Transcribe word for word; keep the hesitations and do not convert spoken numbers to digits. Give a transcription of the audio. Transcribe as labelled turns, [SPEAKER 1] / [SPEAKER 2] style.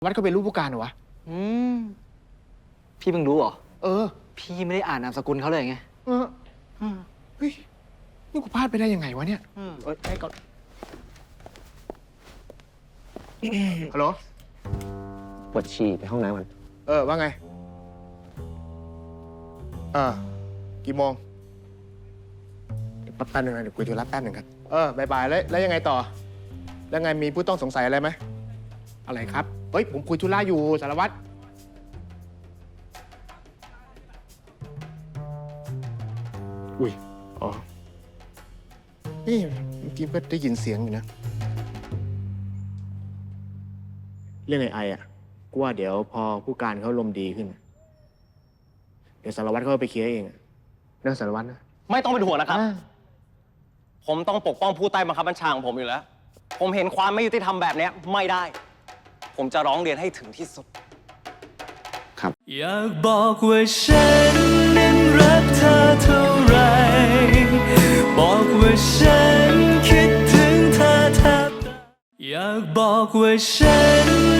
[SPEAKER 1] วัดก็เป็นลูกผู้การเหรอวะ
[SPEAKER 2] อืมพี่เพิ่งรู้เหรอ
[SPEAKER 1] เออ
[SPEAKER 2] พี่ไม่ได้อ่านนามสกุลเขาเลยไง
[SPEAKER 1] เออเฮ้ยนี่กูพลาดไปได้ยังไงวะเนี่ย
[SPEAKER 2] เอ้ยให้ก่อน
[SPEAKER 1] ฮัลโหล
[SPEAKER 3] ปวดฉี่ไปห้องน้ำมัน
[SPEAKER 1] เออว่าไงเออกี่โมงแป๊บนึงนะเดี๋ยวคุยธุระแป๊บหนึ่งครับเออบายบายแล้วแล้วยังไงต่อแล้วไงมีผู้ต้องสงสัยอะไรไหมอะไรครับเฮ้ยผมคุยธุระอยู่สารวัตรอุ้ยอ๋อนี่เมื่อกี้ก็ได้ยินเสียงอยู่นะเรื่องไอ้ไออ่ะกูว่าเดี๋ยวพอผู้การเขาลมดีขึ้นเดี๋ยวสารวัตรเขาไปเคลียร์เองเรื่องสารวัตรนะ
[SPEAKER 4] ไม่ต้องเป็นห่วงนะครับ ผมต้องปกป้องผู้ใต้บังคับบัญชาของผมอยู่แล้ว ผมเห็นความไม่ยุติธรรมแบบนี้ไม่ได้ ผมจะร้องเรียนให้ถึงที่สุด
[SPEAKER 1] ครับ
[SPEAKER 5] อยากบอกว่าฉันนั้นรักเธอเท่าไรบอกว่าฉันคิดถึงเธอแทบตายอยากบอกว่าฉัน